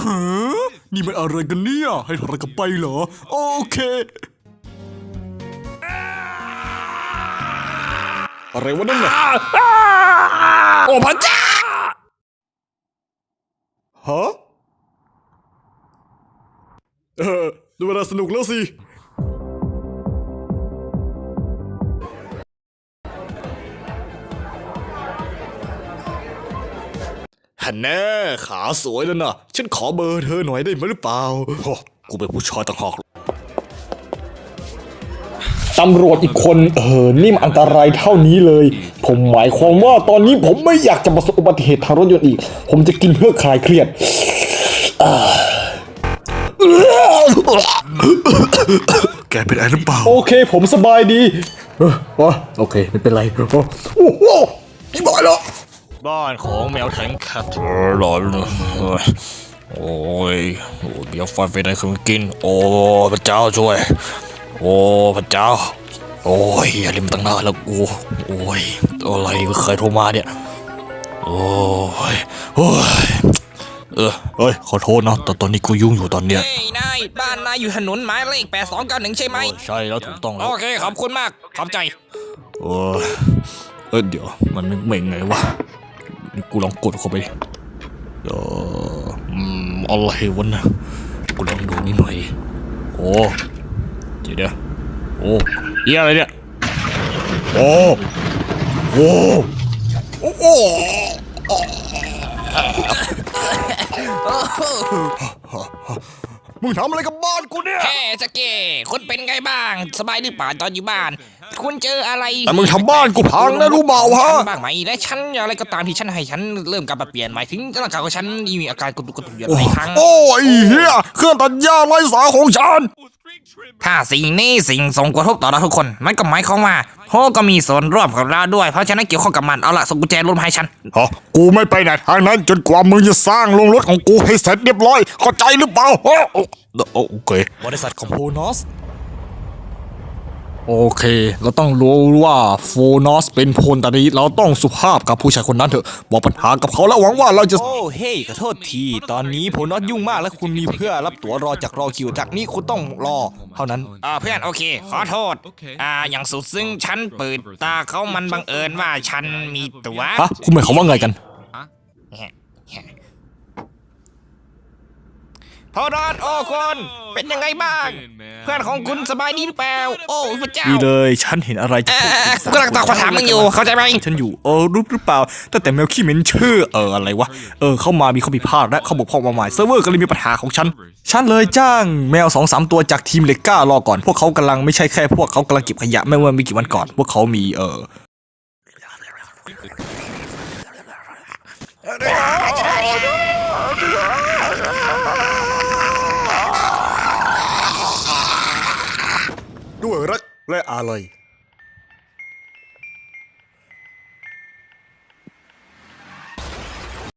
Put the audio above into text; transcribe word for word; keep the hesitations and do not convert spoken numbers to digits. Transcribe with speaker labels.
Speaker 1: ะนี่มันอะไรกันเนี่ยให้ถอดกลับไปเหรอโอเคอะไรวะนั่นน่ะโอ้พระเจ้าฮะเออดูเวลาสนุกแล้วสิฮันแน่ขาสวยแล้วนะฉันขอเบอร์เธอหน่อยได้ไหมหรือเปล่าโอ้กูเป็นผู้ชายต่างหาก
Speaker 2: ตำรวจอีกคนเออนี่มันอันตรายเท่านี้เลยผมหมายความว่าตอนนี้ผมไม่อยากจะประสบอุบัติเหตุทางรถยนต์อีกผมจะกินเพื่อคลายเครียด
Speaker 1: แกเป็นอะไรหรือเปล่า
Speaker 2: โอเคผมสบายดีเออโอเคไม่เป็นไรโอ้โหนี่บอยแล้ว
Speaker 1: บ้านของแมวแทงแคทหลอนเลยโอ้ยโอ้ยเดี๋ยวฟันไปไหนคือกินโอ้พระเจ้าช่วยโอ้พระเจ้าโอ้ยอย่าลืมตั้งหน้าแล้วกูโอ้ยอะไรก็เคยโทรมาเนี่ยโอ้ยโอ้ยเออเฮ้ยขอโทษนะแต่ตอนนี้กูยุ่งอยู่ตอนเนี้ย
Speaker 3: เฮ้ยนายบ้านนายอยู่ถนนหมายเลขแปดสองเก้าหนึ่งใช่ไหม
Speaker 1: ใช่แล้วถูกต้องแล้ว
Speaker 3: โอเคขอบคุณมากขอบใจ
Speaker 1: เออเออเดี๋ยวมันนึกไม่ไงวะกูลองกดเข้าไปเอออืมอะไรวะนะกูลองดูนิดหน่อยโอ้เดี๋ยวเดี๋ยวโอ้เฮียอะไรเนี่ยโอ้โอ้โอ้โอ้มึงทำอะไรกับบ้านกูเนี่ย
Speaker 3: แฮ่สเก้คุณเป็นไงบ้างสบายหรือเปล่าตอนอยู่บ้านคุณเจออะไร
Speaker 1: แต่มึงทำบ้านกูพังนะรู้เปล่าฮะ
Speaker 3: บ้างไหมและฉันอะไรก็ตามที่ฉันให้ฉันเริ่มกลับมาเปลี่ยนหมายถึงร่างกายของฉันมีอาการกระตุกกระตุกอยู่หลายครั้ง
Speaker 1: โอ้ยเฮียเครื่องตัดหญ้าไร้สายของฉัน
Speaker 3: ถ้าสิ่งนี้สิ่งส่งกระทบต่อเราทุกคนมันก็หมายความว่าโฮก็มีส่วนร่วมกับเราด้วยเพราะฉะนั้นเกี่ยวข้องกับมันเอาล่ะส่งกุญแจรถมาให้ฉัน
Speaker 1: ฮะกูไม่ไปไหนทางนั้นจนกว่ามึงจะสร้างโรงรถของกูให้เสร็จเรียบร้อยเข้าใจหรือเปล่าโอเคบริษัทของโฟนอสโอเคเราต้องรู้ว่าโฟนอสเป็นพลตรีเราต้องสุภาพกับผู้ชายคนนั้นเถอะบอกปัญหากับเขาแล้วหวังว่าเราจะ
Speaker 4: โอ้เฮ้ยขอโทษทีตอนนี้ผมน็อตยุ่งมากและคุณมีเพื่อรับตั๋วรอจากรอคิวจากนี้คุณต้องรอเท่านั้น
Speaker 3: อ่าเพื่อนโอเคขอโทษอ่าอย่างสุดซึ่งฉันเปิดตาเขามันบังเอิญว่าฉันมีตั๋ว
Speaker 1: ฮะคุณหมายความว่าไงกัน
Speaker 3: พอรอดโอ้คนเป็นยังไงบ้างเพื่อนของคุณสบายดีหรือเปล่าโอ้พระเจ้า
Speaker 1: ดีเลยฉันเห็นอะไรจะ
Speaker 3: กูกำลังตอบคำถามมึงอยู่เข้าใจไหม
Speaker 1: ฉันอยู่เออรู้หรือเปล่าตั้งแต่แมวขี้เหม็นชื่อเอออะไรวะเออเข้ามามีข้อผิดพลาดและเขาบอกพ่อมาใหม่เซิร์ฟเวอร์ก็เลยมีปัญหาของฉันฉันเลยจ้างแมวสองสามตัวจากทีมเล็กก้ารอก่อนพวกเขากำลังไม่ใช่แค่พวกเขากำลังเก็บขยะไม่ว่าไม่กี่วันก่อนพวกเขามีเออด้วยรักและอาลัย